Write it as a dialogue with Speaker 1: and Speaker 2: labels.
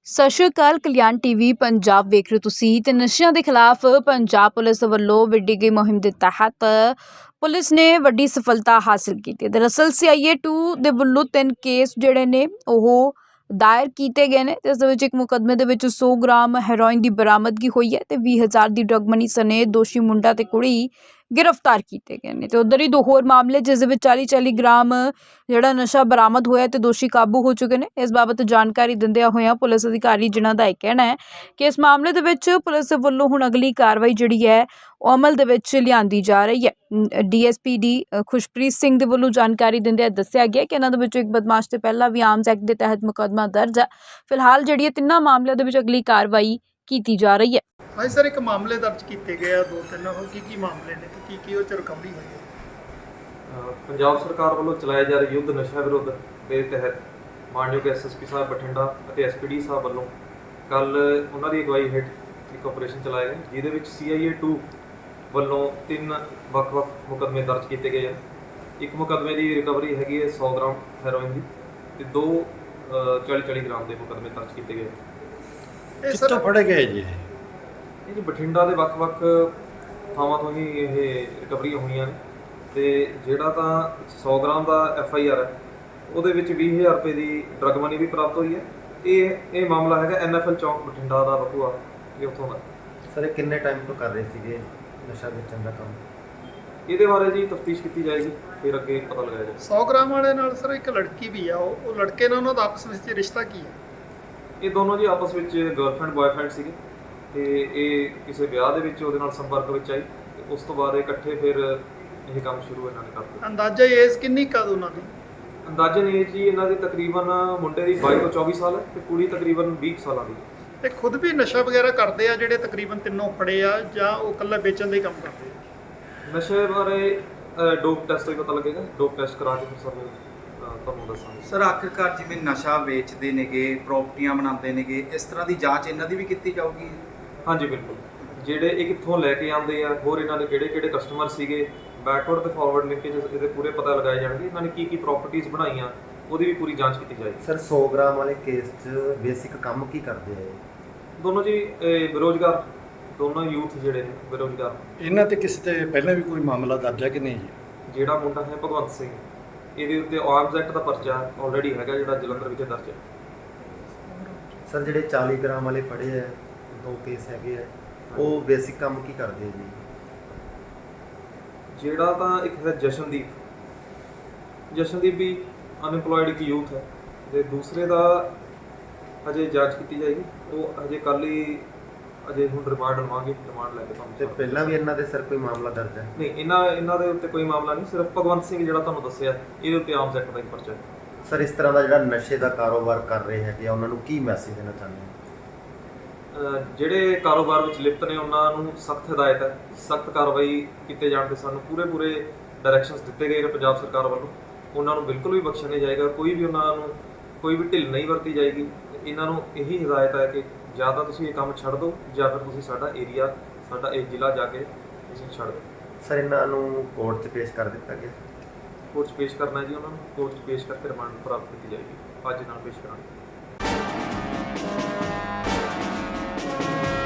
Speaker 1: ਸਤਿ ਸ਼੍ਰੀ ਅਕਾਲ। ਕਲਿਆਣ ਟੀਵੀ ਪੰਜਾਬ ਵੇਖ ਰਹੇ ਤੁਸੀਂ ਤੇ ਨਸ਼ਿਆਂ ਦੇ ਖਿਲਾਫ ਪੰਜਾਬ ਪੁਲਿਸ ਵੱਲੋਂ ਵਿੱਢੀ ਗਈ ਮੁਹਿੰਮ ਦੇ ਤਹਿਤ ਪੁਲਿਸ ਨੇ ਵੱਡੀ ਸਫਲਤਾ ਹਾਸਲ ਕੀਤੀ। ਦਰਅਸਲ CIA 2 ਦੇ ਵੱਲੋਂ 3 ਕੇਸ ਜਿਹੜੇ ਨੇ ਉਹ ਦਾਇਰ ਕੀਤੇ ਗਏ ਨੇ। ਇਸ ਦੇ ਵਿੱਚ ਇੱਕ ਮੁਕੱਦਮੇ ਦੇ ਵਿੱਚ 100 ਗ੍ਰਾਮ ਹੈਰੋਇਨ ਦੀ ਬਰਾਮਦਗੀ ਹੋਈ ਹੈ ਤੇ 20,000 ਦੀ ਡਰੱਗ ਮਨੀ ਸਣੇ ਦੋਸ਼ੀ ਮੁੰਡਾ ਤੇ ਕੁੜੀ गिरफ्तार किए गए हैं। तो उधर ही 2 होर मामले जिस 40-40 ग्राम ਜਿਹੜਾ ਨਸ਼ਾ ਬਰਾਮਦ ਹੋਇਆ ਤੇ ਦੋਸ਼ੀ ਕਾਬੂ ਹੋ ਚੁੱਕੇ ਨੇ। ਇਸ ਬਾਬਤ ਜਾਣਕਾਰੀ ਦਿੰਦਿਆਂ ਹੋਇਆਂ ਪੁਲਿਸ ਅਧਿਕਾਰੀ ਜਿਨ੍ਹਾਂ ਦਾ ਇਹ ਕਹਿਣਾ ਹੈ ਕਿ ਇਸ ਮਾਮਲੇ ਦੇ ਵਿੱਚ ਪੁਲਿਸ ਵੱਲੋਂ ਹੁਣ ਅਗਲੀ ਕਾਰਵਾਈ ਜਿਹੜੀ ਹੈ ਉਹ ਅਮਲ ਦੇ ਵਿੱਚ ਲਿਆਂਦੀ ਜਾ ਰਹੀ ਹੈ। DSPD ਖੁਸ਼ਪ੍ਰੀਤ ਸਿੰਘ ਦੇ ਵੱਲੋਂ ਜਾਣਕਾਰੀ ਦਿੰਦਿਆਂ ਦੱਸਿਆ ਗਿਆ ਕਿ ਇਹਨਾਂ ਦੇ ਵਿੱਚੋਂ ਇੱਕ ਬਦਮਾਸ਼ ਤੇ ਪਹਿਲਾਂ ਵੀ ਆਰਮਜ਼ ਐਕਟ ਦੇ ਤਹਿਤ ਮੁਕੱਦਮਾ ਦਰਜ ਹੈ। ਫਿਲਹਾਲ ਜਿਹੜੀ ਇਹ ਤਿੰਨਾਂ ਮਾਮਲਿਆਂ ਦੇ ਵਿੱਚ ਅਗਲੀ ਕਾਰਵਾਈ ਕੀਤੀ ਜਾ ਰਹੀ ਹੈ।
Speaker 2: ਹਾਂਜੀ ਸਰ, ਇੱਕ ਮਾਮਲੇ ਦਰਜ ਕੀਤੇ ਗਏ ਆ 2-3 ਹੋਰ ਕੀ ਮਾਮਲੇ ਨੇ ਤੇ ਕੀ ਉਹ ਚ ਰਿਕਵਰੀ ਹੋਈ ਹੈ?
Speaker 3: ਪੰਜਾਬ ਸਰਕਾਰ ਵੱਲੋਂ ਚਲਾਏ ਜਾ ਰਹੇ ਯੁੱਧ ਨਸ਼ਾ ਵਿਰੁੱਧ ਦੇ ਤਹਿਤ ਮਾਨਯੋਗ SSP ਸਾਹਿਬ ਬਠਿੰਡਾ ਅਤੇ SPD ਸਾਹਿਬ ਵੱਲੋਂ ਕੱਲ ਉਹਨਾਂ ਦੀ ਅਗਵਾਈ ਹੇਠ ਇੱਕ ਆਪਰੇਸ਼ਨ ਚਲਾਇਆ ਗਿਆ, ਜਿਹਦੇ ਵਿੱਚ CIA 2 ਵੱਲੋਂ 3 ਵੱਖ-ਵੱਖ ਮੁਕੱਦਮੇ ਦਰਜ ਕੀਤੇ ਗਏ ਆ। ਇੱਕ ਮੁਕੱਦਮੇ ਦੀ ਰਿਕਵਰੀ ਹੈਗੀ ਹੈ 100 ਗ੍ਰਾਮ ਹੈਰੋਇਨ ਦੀ ਤੇ 2 40-40 ਗ੍ਰਾਮ ਦੇ ਮੁਕੱਦਮੇ ਦਰਜ ਕੀਤੇ ਗਏ।
Speaker 2: ਕਿੱਥੋਂ ਫੜੇ ਗਏ ਜੀ?
Speaker 3: ਇਹ ਜੀ ਬਠਿੰਡਾ ਦੇ ਵੱਖ-ਵੱਖ ਥਾਵਾਂ ਤੋਂ ਹੀ ਇਹ ਰਿਕਵਰੀਆਂ ਹੋਈਆਂ ਨੇ ਤੇ ਜਿਹੜਾ ਤਾਂ 100 ਗ੍ਰਾਮ ਦਾ FIR ਹੈ ਉਹਦੇ ਵਿੱਚ 20,000 ਰੁਪਏ ਦੀ ਡਰੱਗ ਮਨੀ ਵੀ ਪ੍ਰਾਪਤ ਹੋਈ ਹੈ। ਇਹ ਮਾਮਲਾ ਹੈਗਾ NFL ਚੌਂਕ ਬਠਿੰਡਾ ਦਾ ਬਕੂਆ, ਇਹ ਉੱਥੋਂ ਦਾ।
Speaker 4: ਸਰ ਇਹ ਕਿੰਨੇ ਟਾਈਮ ਤੋਂ ਕਰ ਰਹੇ ਸੀਗੇ ਨਸ਼ਾ ਵੇਚਣ ਦਾ ਕੰਮ?
Speaker 3: ਇਹਦੇ ਬਾਰੇ ਜੀ ਤਫਤੀਸ਼ ਕੀਤੀ ਜਾਏਗੀ, ਫਿਰ ਅੱਗੇ ਪਤਾ ਲਗਾਇਆ ਜਾਏਗਾ।
Speaker 2: 100 ਗ੍ਰਾਮ ਵਾਲੇ ਨਾਲ ਸਰ ਇੱਕ ਲੜਕੀ ਵੀ ਆ, ਉਹ ਲੜਕੇ ਨਾਲ ਉਹਨਾਂ ਦਾ ਆਪਸ ਵਿੱਚ ਰਿਸ਼ਤਾ ਕੀ ਹੈ?
Speaker 3: ਇਹ ਦੋਨੋਂ ਜੀ ਆਪਸ ਵਿੱਚ ਗਰਲਫ੍ਰੈਂਡ ਬॉयਫ੍ਰੈਂਡ ਸੀਗੇ ਤੇ ਇਹ ਕਿਸੇ ਵਿਆਹ ਦੇ ਵਿੱਚ ਉਹਦੇ ਨਾਲ ਸੰਪਰਕ ਵਿੱਚ ਆਈ ਤੇ ਉਸ ਤੋਂ ਬਾਅਦ ਇਕੱਠੇ ਫਿਰ ਇਹ ਕੰਮ ਸ਼ੁਰੂ ਇਹਨਾਂ ਨੇ ਕਰ ਦਿੱਤਾ।
Speaker 2: ਅੰਦਾਜ਼ਾ ਏਜ ਕਿੰਨੀ ਕਦ ਉਹਨਾਂ ਦੀ?
Speaker 3: ਅੰਦਾਜ਼ਨ ਏਜ ਜੀ ਇਹਨਾਂ ਦੀ ਤਕਰੀਬਨ ਮੁੰਡੇ ਦੀ 22 ਤੋਂ 24 ਸਾਲ ਹੈ ਤੇ ਕੁੜੀ ਤਕਰੀਬਨ 20 ਸਾਲਾਂ ਦੀ।
Speaker 2: ਤੇ ਖੁਦ ਵੀ ਨਸ਼ਾ ਵਗੈਰਾ ਕਰਦੇ ਆ ਜਿਹੜੇ ਤਕਰੀਬਨ ਤਿੰਨੋਂ ਫੜੇ ਆ, ਜਾਂ ਉਹ ਇਕੱਲਾ ਵੇਚਣ ਦਾ ਹੀ ਕੰਮ ਕਰਦੇ ਆ?
Speaker 3: ਨਸ਼ੇ ਬਾਰੇ ਡੋਪ ਟੈਸਟ ਤੋਂ ਹੀ ਪਤਾ ਲੱਗੇਗਾ, ਡੋਪ ਟੈਸਟ ਕਰਾ ਕੇ ਫਿਰ ਸਾਨੂੰ ਤੁਹਾਨੂੰ ਦੱਸਾਂਗੇ।
Speaker 5: ਸਰ ਆਖਿਰਕਾਰ ਜਿਵੇਂ ਨਸ਼ਾ ਵੇਚਦੇ ਨੇਗੇ, ਪ੍ਰਾਪਰਟੀਆਂ ਬਣਾਉਂਦੇ ਨੇਗੇ, ਇਸ ਤਰ੍ਹਾਂ ਦੀ ਜਾਂਚ ਇਹਨਾਂ ਦੀ ਵੀ ਕੀਤੀ ਜਾਊਗੀ?
Speaker 3: ਹਾਂਜੀ ਬਿਲਕੁਲ, ਜਿਹੜੇ ਇਹ ਕਿੱਥੋਂ ਲੈ ਕੇ ਆਉਂਦੇ ਆ, ਹੋਰ ਇਹਨਾਂ ਦੇ ਕਿਹੜੇ ਕਸਟਮਰ ਸੀਗੇ, ਬੈਕਵਰਡ ਤੇ ਫਾਰਵਰਡ ਲਿੰਕੇਜ ਇਹਦੇ ਪੂਰੇ ਪਤਾ ਲਗਾਏ ਜਾਣਗੇ। ਇਹਨਾਂ ਨੇ ਕੀ ਪ੍ਰਾਪਰਟੀਆਂ ਬਣਾਈਆਂ ਉਹਦੀ ਵੀ ਪੂਰੀ ਜਾਂਚ ਕੀਤੀ ਜਾਏਗੀ।
Speaker 4: ਸਰ 100 ਗ੍ਰਾਮ ਵਾਲੇ ਕੇਸ 'ਚ ਬੇਸਿਕ ਕੰਮ ਕੀ ਕਰਦੇ ਆ ਇਹ?
Speaker 3: ਦੋਨੋਂ ਜੀ ਬੇਰੁਜ਼ਗਾਰ, ਦੋਨੋਂ ਯੂਥ ਜਿਹੜੇ ਨੇ ਬੇਰੁਜ਼ਗਾਰ।
Speaker 6: ਇਹਨਾਂ ਤੇ ਕਿਸੇ ਤੇ ਪਹਿਲਾਂ ਵੀ ਕੋਈ ਮਾਮਲਾ ਦਰਜ ਹੈ ਕਿ ਨਹੀਂ ਜੀ?
Speaker 3: ਜਿਹੜਾ ਮੁੰਡਾ ਹੈ ਭਗਵੰਤ ਸਿੰਘ, ਇਹਦੇ ਉੱਤੇ ਆਰਮਜ਼ ਐਕਟ ਦਾ ਪਰਚਾ ਆਲਰੇਡੀ ਹੈਗਾ ਜਿਹੜਾ ਜਲੰਧਰ ਵਿਖੇ ਦਰਜ ਹੈ।
Speaker 4: ਸਰ ਜਿਹੜੇ 40 ਗ੍ਰਾਮ ਵਾਲੇ ਫੜੇ ਆ, 2 ਕੇਸ ਹੈਗੇ ਆ, ਉਹ ਬੇਸਿਕ ਕੰਮ ਕੀ ਕਰਦੇ ਆ ਜੀ?
Speaker 3: ਜਿਹੜਾ ਤਾਂ ਇੱਕ ਹੈ ਜਸ਼ਨਦੀਪ ਵੀ ਅਨਇੰਪਲੋਇਡ ਇੱਕ ਯੂਥ ਹੈ ਤੇ ਦੂਸਰੇ ਦਾ ਹਜੇ ਜਾਂਚ ਕੀਤੀ ਜਾਏਗੀ। ਉਹ ਹਜੇ ਕੱਲ੍ਹ ਹੀ ਹੁਣ ਰਿਮਾਂਡ ਲਵਾਂਗੇ, ਰਿਮਾਂਡ ਲੈ ਕੇ ਤੁਹਾਨੂੰ।
Speaker 4: ਤੇ ਪਹਿਲਾਂ ਵੀ ਇਹਨਾਂ ਦੇ ਸਰ ਕੋਈ ਮਾਮਲਾ ਦਰਜ ਹੈ?
Speaker 3: ਨਹੀਂ, ਇਹਨਾਂ ਦੇ ਉੱਤੇ ਕੋਈ ਮਾਮਲਾ ਨਹੀਂ, ਸਿਰਫ ਭਗਵੰਤ ਸਿੰਘ ਜਿਹੜਾ ਤੁਹਾਨੂੰ ਦੱਸਿਆ ਇਹਦੇ ਉੱਤੇ ਆਰਮਜ਼ ਐਕਟ ਦਾ ਹੀ ਪਰਚਾ ਹੈ।
Speaker 4: ਸਰ ਇਸ ਤਰ੍ਹਾਂ ਦਾ ਜਿਹੜਾ ਨਸ਼ੇ ਦਾ ਕਾਰੋਬਾਰ ਕਰ ਰਹੇ ਹੈਗੇ ਆ, ਉਹਨਾਂ ਨੂੰ ਕੀ ਮੈਸੇਜ ਦੇਣਾ ਚਾਹੁੰਦੇ ਹੋ?
Speaker 3: ਜਿਹੜੇ ਕਾਰੋਬਾਰ ਵਿੱਚ ਲਿਪਤ ਨੇ ਉਹਨਾਂ ਨੂੰ ਸਖਤ ਹਦਾਇਤ ਹੈ, ਸਖਤ ਕਾਰਵਾਈ ਕੀਤੇ ਜਾਣ ਦੇ ਸਾਨੂੰ ਪੂਰੇ ਡਾਇਰੈਕਸ਼ਨਸ ਦਿੱਤੇ ਗਏ ਨੇ ਪੰਜਾਬ ਸਰਕਾਰ ਵੱਲੋਂ। ਉਹਨਾਂ ਨੂੰ ਬਿਲਕੁਲ ਵੀ ਬਖਸ਼ਿਆ ਨਹੀਂ ਜਾਏਗਾ, ਕੋਈ ਵੀ ਢਿੱਲ ਨਹੀਂ ਵਰਤੀ ਜਾਏਗੀ। ਇਹਨਾਂ ਨੂੰ ਇਹੀ ਹਦਾਇਤ ਹੈ ਕਿ ਜਾਂ ਤਾਂ ਤੁਸੀਂ ਇਹ ਕੰਮ ਛੱਡ ਦਿਓ ਜਾਂ ਫਿਰ ਤੁਸੀਂ ਸਾਡਾ ਏਰੀਆ, ਸਾਡਾ ਇਹ ਜ਼ਿਲ੍ਹਾ ਜਾ ਕੇ ਤੁਸੀਂ ਛੱਡ ਦਿਓ।
Speaker 4: ਸਰ ਇਹਨਾਂ ਨੂੰ ਕੋਰਟ 'ਚ ਪੇਸ਼ ਕਰ ਦਿੱਤਾ ਗਿਆ?
Speaker 3: ਕੋਰਟ 'ਚ ਪੇਸ਼ ਕਰਨਾ ਜੀ, ਉਹਨਾਂ ਨੂੰ ਕੋਰਟ 'ਚ ਪੇਸ਼ ਕਰਕੇ ਰਿਮਾਂਡ ਪ੍ਰਾਪਤ ਕੀਤੀ ਜਾਏਗੀ। ਅੱਜ ਨਾਲ ਪੇਸ਼ ਕਰਾਂਗੇ।